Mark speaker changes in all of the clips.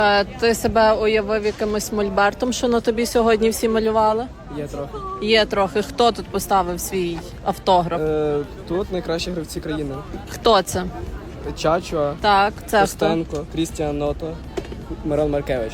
Speaker 1: Ти себе уявив якимось мольбертом, що на тобі сьогодні всі малювали?
Speaker 2: Є трохи.
Speaker 1: Є трохи. Хто тут поставив свій автограф?
Speaker 2: Тут найкращі гравці країни.
Speaker 1: Хто це?
Speaker 2: Чачуа,
Speaker 1: Так, це хто?
Speaker 2: Костенко, Крістіан Ното, Мирон Маркевич.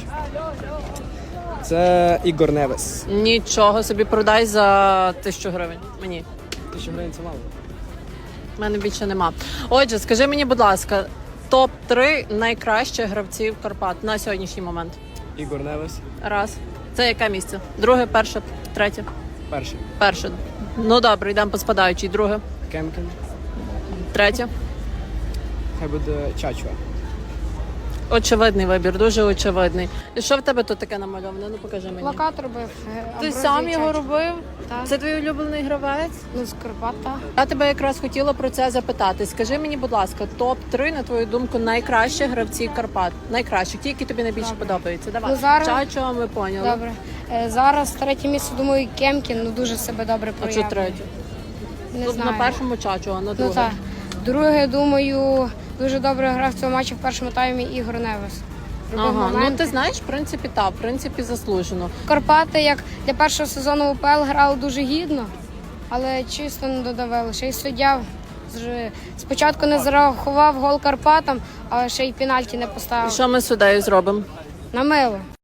Speaker 2: Це Ігор Невес.
Speaker 1: Нічого собі, продай за 1000 гривень. Мені.
Speaker 2: 1000 гривень це мало.
Speaker 1: У мене більше нема. Отже, скажи мені, будь ласка, топ-3 найкращих гравців Карпат на сьогоднішній момент.
Speaker 2: Ігор Невес.
Speaker 1: Раз. Це яке місце? Друге, перше, третє?
Speaker 2: Перший.
Speaker 1: Перше. Ну добре, йдемо по спадаючій. Друге,
Speaker 2: Кемкін.
Speaker 1: третє.
Speaker 2: Хай буде Чачуа.
Speaker 1: Очевидний вибір, дуже очевидний. І що в тебе тут таке намальоване? Ну покажи мені.
Speaker 3: Плакат робив.
Speaker 1: Ти сам його робив?
Speaker 3: Так.
Speaker 1: Це твій улюблений гравець?
Speaker 3: Ну, з Карпата.
Speaker 1: Я тебе якраз хотіла про це запитати. Скажи мені, будь ласка, топ-3, на твою думку, найкращих гравців Карпат. Найкращих, ті, які тобі найбільше подобаються. Давай.
Speaker 3: Ну, зараз-
Speaker 1: Чачо, ми поняли.
Speaker 3: Добре. Зараз третє місце, думаю, Кемкін, ну дуже себе добре
Speaker 1: А що
Speaker 3: проявив.
Speaker 1: третє?
Speaker 3: Не
Speaker 1: Тут
Speaker 3: знаю.
Speaker 1: на першому Чачо, а на
Speaker 3: Ну
Speaker 1: другому?
Speaker 3: так. Друге, думаю, дуже добре грав в цьому матчі в першому таймі Ігор Невес. Робив
Speaker 1: Ага, ну
Speaker 3: моменти.
Speaker 1: ти знаєш, в принципі, так, в принципі, заслужено.
Speaker 3: Карпати, як для першого сезону УПЛ, грали дуже гідно, але чисто не додавали. Ще й суддя спочатку не зарахував гол Карпатам, а ще й пенальті не
Speaker 1: І
Speaker 3: поставив.
Speaker 1: що ми з суддею зробимо?
Speaker 3: На мило.